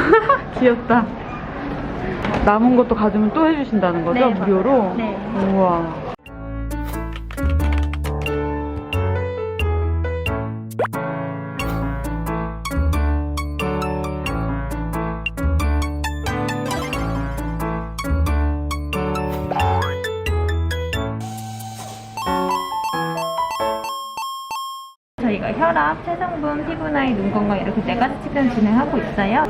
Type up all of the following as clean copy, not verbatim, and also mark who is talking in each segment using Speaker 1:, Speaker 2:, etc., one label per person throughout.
Speaker 1: 귀엽다. 남은 것도 가지면 또 해주신다는 거죠?
Speaker 2: 네,
Speaker 1: 무료로?
Speaker 2: 네.
Speaker 1: 우와.
Speaker 2: 저희가 혈압, 체성분, 피부 나이, 눈 건강 이렇게 4가지 측정 진행하고 있어요.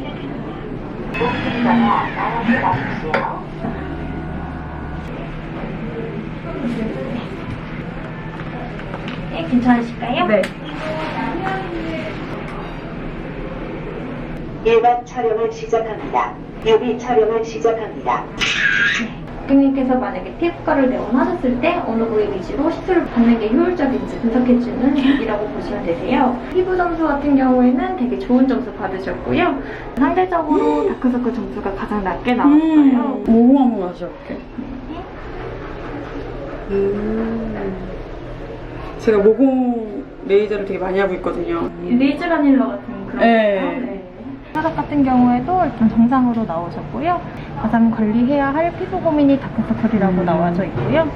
Speaker 2: 네, 괜찮으실까요?
Speaker 1: 네.
Speaker 3: 일반 촬영을 시작합니다. 뮤비 촬영을 시작합니다.
Speaker 2: 고객님께서 만약에 피부과를 내원하셨을 때 어느 부위 위주로 시술을 받는 게 효율적인지 분석해주는 앱이라고 보시면 되세요. 피부 점수 같은 경우에는 되게 좋은 점수 받으셨고요. 상대적으로 다크서클 점수가 가장 낮게 나왔어요.
Speaker 1: 모공 한번 마셔볼게. 제가 모공 레이저를 되게 많이 하고 있거든요.
Speaker 2: 레이즈라닐러 같은 그런
Speaker 1: 네.
Speaker 2: 거요. 네. 혈압 같은 경우에도 일단 정상으로 나오셨고요. 가장 관리해야 할 피부 고민이 다크서클이라고 나와져 있고요.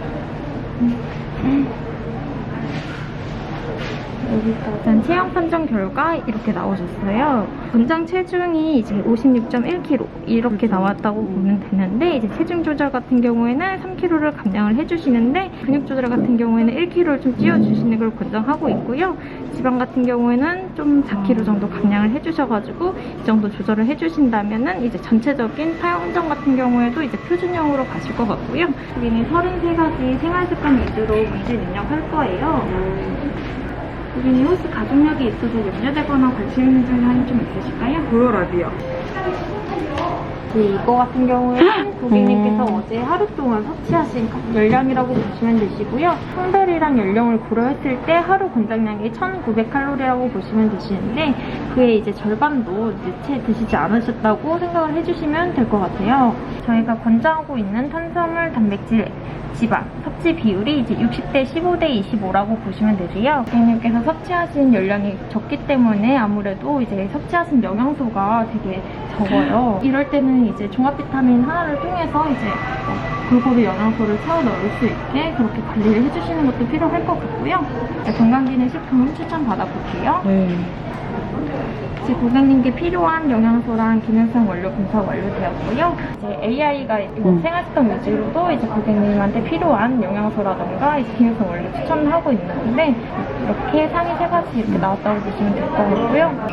Speaker 2: 일단 체형 판정 결과 이렇게 나오셨어요. 권장 체중이 이제 56.1kg 이렇게 나왔다고 보면 되는데, 이제 체중 조절 같은 경우에는 3kg를 감량을 해주시는데, 근육 조절 같은 경우에는 1kg를 좀 찌워주시는 걸 권장하고 있고요. 지방 같은 경우에는 좀 4kg 정도 감량을 해주셔가지고 이 정도 조절을 해주신다면은 이제 전체적인 파열 혼정 같은 경우에도 이제 표준형으로 가실 것 같고요. 여기는 33가지 생활습관 위주로 문제 입력할 거예요. 고객님 혹시 가족력이 있어서 염려되거나 관심 있는 점이 좀 있으실까요?
Speaker 1: 고혈압이요.
Speaker 2: 네, 이거 같은 경우에는 고객님께서 어제 하루 동안 섭취하신 열량이라고 보시면 되시고요. 성별이랑 연령을 고려했을 때 하루 권장량이 1900칼로리라고 보시면 되시는데, 그의 이제 절반도 채 드시지 않으셨다고 생각을 해주시면 될 것 같아요. 저희가 권장하고 있는 탄수화물, 단백질, 지방, 섭취 비율이 이제 60대 15대 25라고 보시면 되세요. 고객님께서 섭취하신 열량이 적기 때문에 아무래도 이제 섭취하신 영양소가 되게 적어요. 이럴 때는 이제 종합 비타민 하나를 통해서 이제 골고루 영양소를 채워 넣을 수 있게 그렇게 관리를 해주시는 것도 필요할 것 같고요. 건강기능식품 추천 받아볼게요.
Speaker 1: 네.
Speaker 2: 이제 고객님께 필요한 영양소랑 기능성 원료 분석 완료되었고요. 이제 AI가 생활습관 위주로도 이제 고객님한테 필요한 영양소라던가 이제 기능성 원료 추천하고 있는데, 이렇게 상위 3가지 이렇게 나왔다고 보시면 될 것 같고요.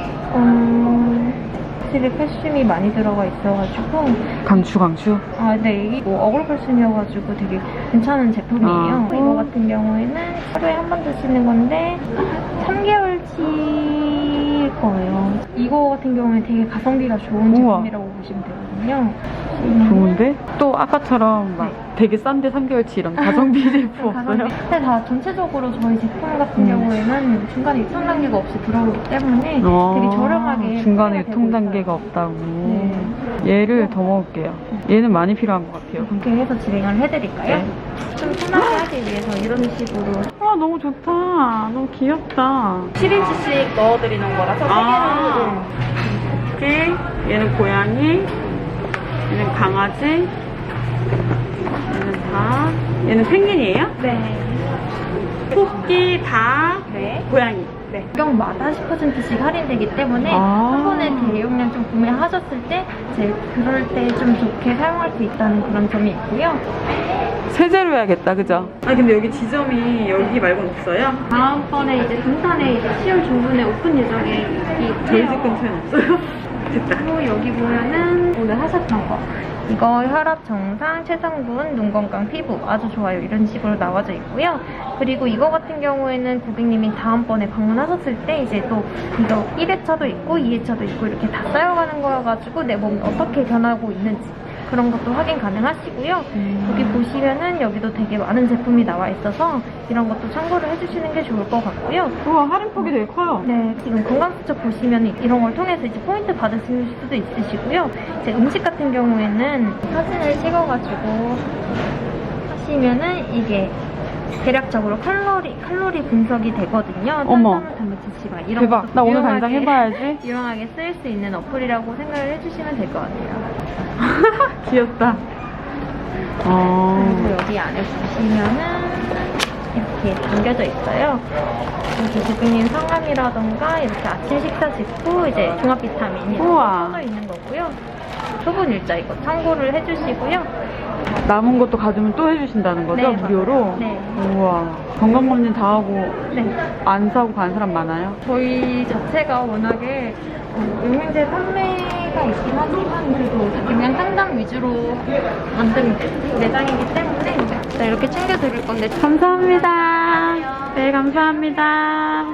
Speaker 2: 확실히 칼슘이 많이 들어가 있어가지고
Speaker 1: 강추.
Speaker 2: 아, 네, 이게 뭐 어글칼슘이어가지고 되게 괜찮은 제품이에요. 이거 같은 경우에는 하루에 한 번 드시는 건데 3개월치일 거예요. 이거 같은 경우에 되게 가성비가 좋은 제품이라고 보시면 되거든요.
Speaker 1: 좋은데? 또 아까처럼 막 되게 싼데 3개월치 이런 가성비 제품 없어요?
Speaker 2: 근데 다 전체적으로 저희 제품 같은 경우에는 중간에 유통 단계가 없이 들어오기 때문에 되게 저렴하게
Speaker 1: 중간에
Speaker 2: 판매가
Speaker 1: 유통
Speaker 2: 되고
Speaker 1: 단계가
Speaker 2: 있어요.
Speaker 1: 없다고.
Speaker 2: 네.
Speaker 1: 얘를 더 먹을게요. 얘는 많이 필요한 것 같아요.
Speaker 2: 이렇게 해서 진행을 해드릴까요?
Speaker 1: 네.
Speaker 2: 좀 편하게 하기 위해서 이런 식으로
Speaker 1: 아, 너무 좋다. 너무 귀엽다.
Speaker 2: 7인치씩 넣어드리는 거라서
Speaker 1: 아. 토끼, 얘는 고양이, 얘는 강아지, 얘는 닭, 얘는 펭귄이에요?
Speaker 2: 네.
Speaker 1: 토끼, 닭,
Speaker 2: 네.
Speaker 1: 고양이.
Speaker 2: 네. 경마다 10%씩 할인되기 때문에 한 번에 대용량 좀 구매하셨을 때 이제 그럴 때 좀 좋게 사용할 수 있다는 그런 점이 있고요.
Speaker 1: 세제로 해야겠다, 그죠? 아, 근데 여기 지점이 여기 말고는 없어요?
Speaker 2: 다음번에 이제 동탄에 이제 10월 중순에 오픈 예정에
Speaker 1: 저희 집 근처에는 없어요? 됐다.
Speaker 2: 그리고 여기 보면은 오늘 하셨던 거, 이거 혈압 정상, 체성분, 눈 건강, 피부 아주 좋아요 이런 식으로 나와져 있고요. 그리고 이거 같은 경우에는 고객님이 다음번에 방문하셨을 때 이제 또 이거 1회차도 있고 2회차도 있고 이렇게 다 쌓여가는 거여가지고 내 몸이 어떻게 변하고 있는지 그런 것도 확인 가능하시고요. 여기 보시면은 여기도 되게 많은 제품이 나와 있어서 이런 것도 참고를 해주시는 게 좋을 것 같고요.
Speaker 1: 우와, 할인폭이 되게 커요.
Speaker 2: 네, 지금 건강수첩 보시면 이런 걸 통해서 이제 포인트 받으실 수도 있으시고요. 이제 음식 같은 경우에는 사진을 찍어가지고 하시면은 이게 대략적으로 칼로리 분석이 되거든요.
Speaker 1: 어머.
Speaker 2: 탄수화물, 단백질, 지방 이런
Speaker 1: 대박.
Speaker 2: 것도
Speaker 1: 나 오늘
Speaker 2: 유용하게-
Speaker 1: 당장 해봐야지.
Speaker 2: 유용하게 쓰일 수 있는 어플이라고 생각을 해주시면 될 것 같아요.
Speaker 1: 귀엽다.
Speaker 2: 그리고 여기 안에 보시면은 이렇게 담겨져 있어요. 여기 고객님 성함이라던가 이렇게 아침 식사 직후 이제 종합 비타민이
Speaker 1: 우와.
Speaker 2: 써져 있는 거고요. 소분 일자 이거 참고를 해주시고요.
Speaker 1: 남은 것도 가지면 또 해주신다는 거죠?
Speaker 2: 네,
Speaker 1: 무료로?
Speaker 2: 맞아요. 네.
Speaker 1: 우와. 건강검진 다 하고
Speaker 2: 네.
Speaker 1: 안 사고 가는 사람 많아요?
Speaker 2: 저희 자체가 워낙에 영양제 판매가 있긴 하지만 그래도 그냥 상담 위주로 만든 매장이기 때문에 네, 이렇게 챙겨드릴 건데
Speaker 1: 감사합니다. 네, 감사합니다.